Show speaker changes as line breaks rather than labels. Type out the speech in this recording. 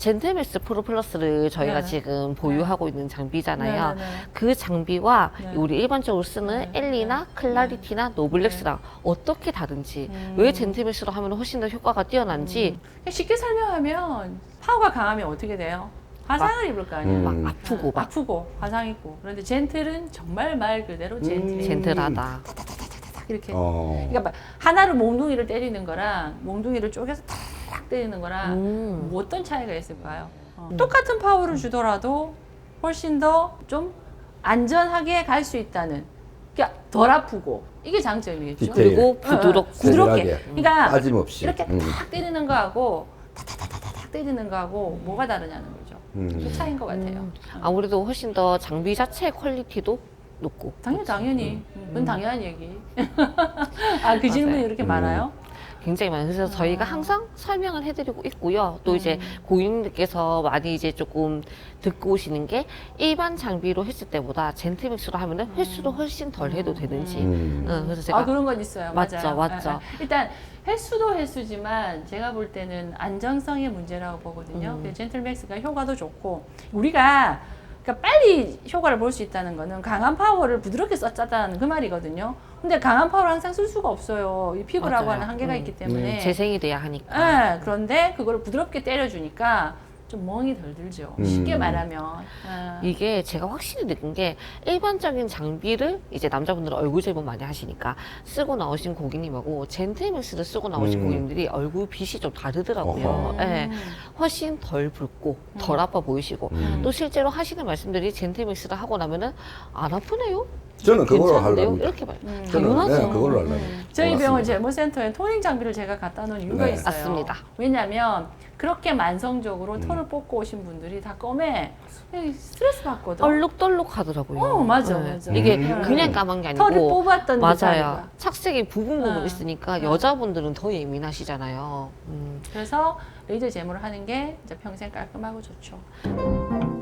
젠틀맥스 프로 플러스를 저희가
네.
지금 보유하고 있는 장비잖아요.
네, 네, 네.
그 장비와
네.
우리 일반적으로 쓰는
네.
엘리나 클라리티나 노블렉스랑 어떻게 다른지, 왜 젠틀맥스로 하면 훨씬 더 효과가 뛰어난지
쉽게 설명하면 파워가 강하면 어떻게 돼요? 화상을 입을 거 아니에요.
막 아프고 막
아프고 화상 입고. 그런데 젠틀은 정말 말 그대로 젠틀.
젠틀하다.
이렇게.
어.
그러니까 막 하나로 몽둥이를 때리는 거랑 몽둥이를 쪼개서 탁 때리는 거랑 뭐 어떤 차이가 있을까요? 똑같은 파워를 주더라도 훨씬 더 좀 안전하게 갈 수 있다는. 그러니까 덜 아프고 이게 장점이겠죠.
디테일.
그리고 부드럽고
부드럽게.
세밀하게.
그러니까
빠짐없이.
이렇게 탁 때리는 거하고 탁탁탁탁 때리는 거하고 뭐가 다르냐는 거죠. 그 차이인 것 같아요.
아무래도 훨씬 더 장비 자체의 퀄리티도 높고.
당연히. 그건 당연한 얘기. 아, 그 질문이 이렇게 많아요?
굉장히 많아요. 그래서 저희가 항상 설명을 해드리고 있고요. 또 이제 고객님들께서 많이 이제 조금 듣고 오시는 게 일반 장비로 했을 때보다 젠틀맥스로 하면은 횟수도 훨씬 덜 해도 되는지. 그래서 제가
아, 그런 건 있어요.
맞죠,
맞아요.
맞죠.
일단 횟수도 횟수지만 제가 볼 때는 안정성의 문제라고 보거든요. 젠틀맥스가 효과도 좋고 우리가 그러니까 빨리 효과를 볼 수 있다는 거는 강한 파워를 부드럽게 썼다는 그 말이거든요. 근데 강한 파워를 항상 쓸 수가 없어요. 이 피부라고
맞아요.
하는 한계가 있기 때문에.
재생이 돼야 하니까.
예, 그런데 그걸 부드럽게 때려주니까 좀 멍이 덜 들죠. 쉽게 말하면.
이게 제가 확실히 느낀 게 일반적인 장비를 이제 남자분들은 얼굴 제모 많이 하시니까 쓰고 나오신 고객님하고 젠틀맥스를 쓰고 나오신 고객님들이 얼굴 빛이 좀 다르더라고요.
어허.
예, 훨씬 덜 붉고 덜 아파 보이시고 또 실제로 하시는 말씀들이 젠틀맥스를 하고 나면은 안 아프네요?
저는 그걸로
괜찮은데요?
하려고.
이렇게 말.
저는
당연하죠.
그걸로 하려고.
저희 병원
고맙습니다.
제모센터에 토닝 장비를 제가 갖다 놓은 이유가
네.
있어요.
맞습니다.
왜냐면 그렇게 만성적으로 털을 뽑고 오신 분들이 다 껌에 스트레스 받거든.
얼룩덜룩 하더라고요.
맞아, 맞아.
이게
음.
그냥 까만 게 아니고
털을 뽑았던
맞아요.
듯하니까.
착색이 부분 있으니까 여자분들은 더 예민하시잖아요.
그래서 레이저 제모를 하는 게 이제 평생 깔끔하고 좋죠.